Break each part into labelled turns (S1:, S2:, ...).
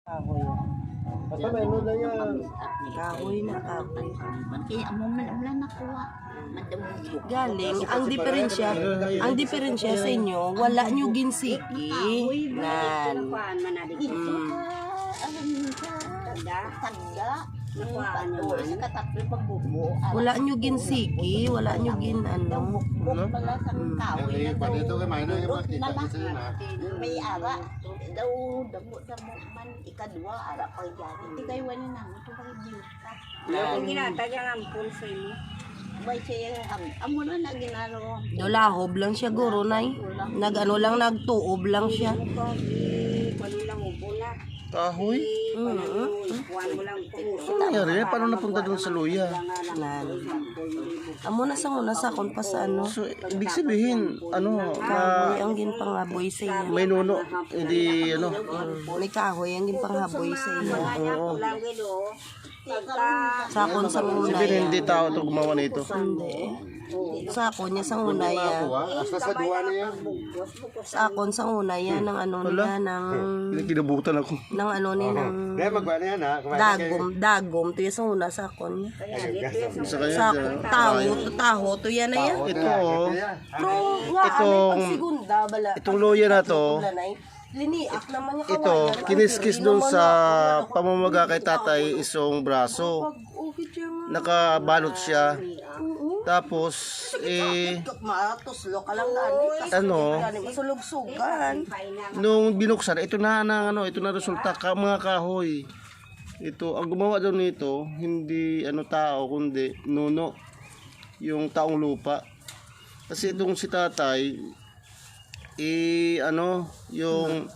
S1: Kahoy.
S2: Basta may ano na yan.
S1: Kahoy na kahoy.
S3: Kaya mo man wala nakuha.
S1: Galing, ang diferensya sa inyo, wala nyo ginsiki. Nan. Wala nyo ginsiki, wala nyo gin ano.
S2: Dito kay Mayna yung makita kasi na.
S3: May ara daw damo man ikadwa ara pa yan. Hindi kayo wala na ito kay Bilta.
S4: Yung ginatagyan ang pulso mo.
S3: May siya amo na ginaro.
S1: Dolahob lang siya guro nay. Nag-ano lang, nagtuob lang siya.
S4: Pwede lang upo na.
S2: Kahoy?
S4: Kuhan mo lang puso.
S2: Ano nangyari? Paano napunta doon sa luya?
S1: Nan. Amo na sa kon pa sa ano.
S2: So, ibig sabihin, ano,
S1: Kahoy ang ginpanghaboy sa iya.
S2: may nuno, hindi, ano,
S1: May kahoy ang ginpanghaboy sa iya.
S2: oo.
S4: Lang gilo.
S1: Sakon sa
S2: Sabihin,
S1: unay.
S2: hindi tao ito gumawa nito.
S1: Hindi. Sakon niya sa unay.
S2: Hasta sa duwa na yan.
S1: Sakon sa unay yan ng ano niya ng
S2: Kinabutan ako.
S1: ng ano niya ng
S2: magba na yan ha.
S1: dagom to yan sa una sakon niya.
S2: Sa kanya,
S1: Sakon taho to yan na yan.
S2: ito, oh,
S1: Pero nga
S2: Itong-
S1: pag segunda bala.
S2: itong luya na to,
S1: Liniak naman niya
S2: ito, kiniskis doon sa pamamaga kay tatay isong braso.
S1: Ukit siya nga.
S2: Nakabalot siya.
S1: Oo.
S2: Tapos,
S1: Matuslo ka lang gani.
S2: ano,
S1: Masulog-sugan.
S2: nung binuksan, ito na resulta, mga kahoy. Ito, ang gumawa daw nito, hindi ano tao, kundi nuno, yung taong lupa. Kasi itong si tatay, ano, yung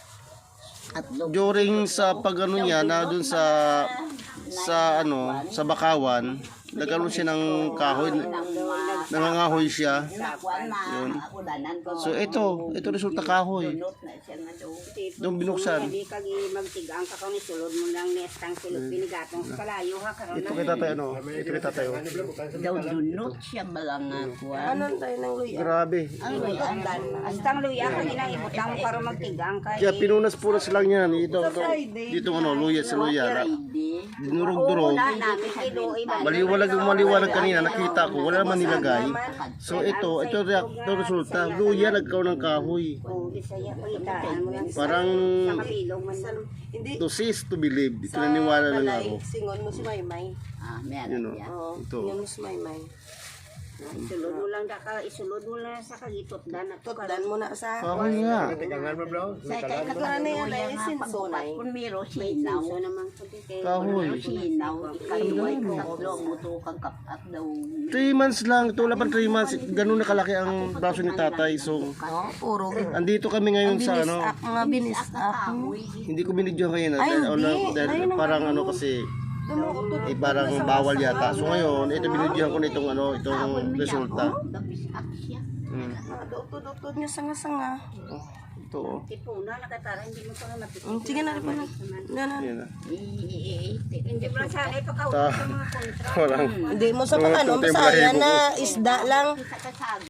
S2: during sa pagano niya na dun sa ano, sa Bakawan, nagkaroon siya ng kahoy, nangangahoy siya. Yun. So ito resulta kahoy. Nung binuksan.
S4: Hindi ka magtigang ka kung isulod mo lang nestang silog pinigatong sa kalayo ha. Karoon
S2: Ito kay tatay ano, ito kay tatay. Oh.
S3: Daw dunot siya balang kuha.
S1: Anon tayo ng luya.
S2: Grabe.
S4: Astang luya ka nilang ibutang mo para magtigang ka.
S2: Kaya pinunas-punas lang yan. Dito ano, luya sa luya. Dinurog-durog.
S4: Wala namin kilo iba.
S2: Maliwalag kanina, nakita ko, wala naman nilagay. So ito resulta. Luya, nagkaroon ng kahoy.
S4: Bisaya ko itaan mo yan.
S2: Parang
S4: Sa kabilog man.
S1: Hindi.
S2: to see is to believe. Ito naniwala lang ako.
S1: Singon mo si Maymay.
S2: Yun o.
S1: Oo.
S2: Ito.
S1: Singon mo si Maymay.
S4: Isulod mo lang isulod mo lang sa kagitot dan at
S1: Tutdan mo na sa...
S2: Kahoy nga.
S3: Sa kay
S1: Nagkaroon na yan ay sinsunay.
S3: kung meron sinaw.
S4: so naman sa kay
S2: Kahoy.
S3: Sinaw, ikaliway, tatlo, mutukang kapat daw.
S2: 3 months lang. Ito wala pang 3 months. Ganun na kalaki ang braso ni tatay. So,
S1: No, puro.
S2: andito kami ngayon sa ano.
S1: Binisak, mga binisak.
S2: Hindi ko binidyo ngayon.
S1: Ay, hindi.
S2: Dahil parang ano kasi, parang bawal yata. So ngayon, ito binidyohan ko na itong resulta.
S3: Dabisak siya.
S1: Dutod niya sanga-sanga.
S2: Ito oh.
S4: tipo na nakatara hindi mo pa mapit.
S1: Sige na rin pa na. Ganon.
S2: Yan na.
S4: Hindi mo sana ipakaw
S2: Ta-
S4: sa mga kontra.
S2: Walang.
S1: Hindi mo sa
S2: Mga
S1: ano,
S2: puti,
S1: Bisaya
S2: balahibo
S1: na isda lang.
S3: Sa kasag.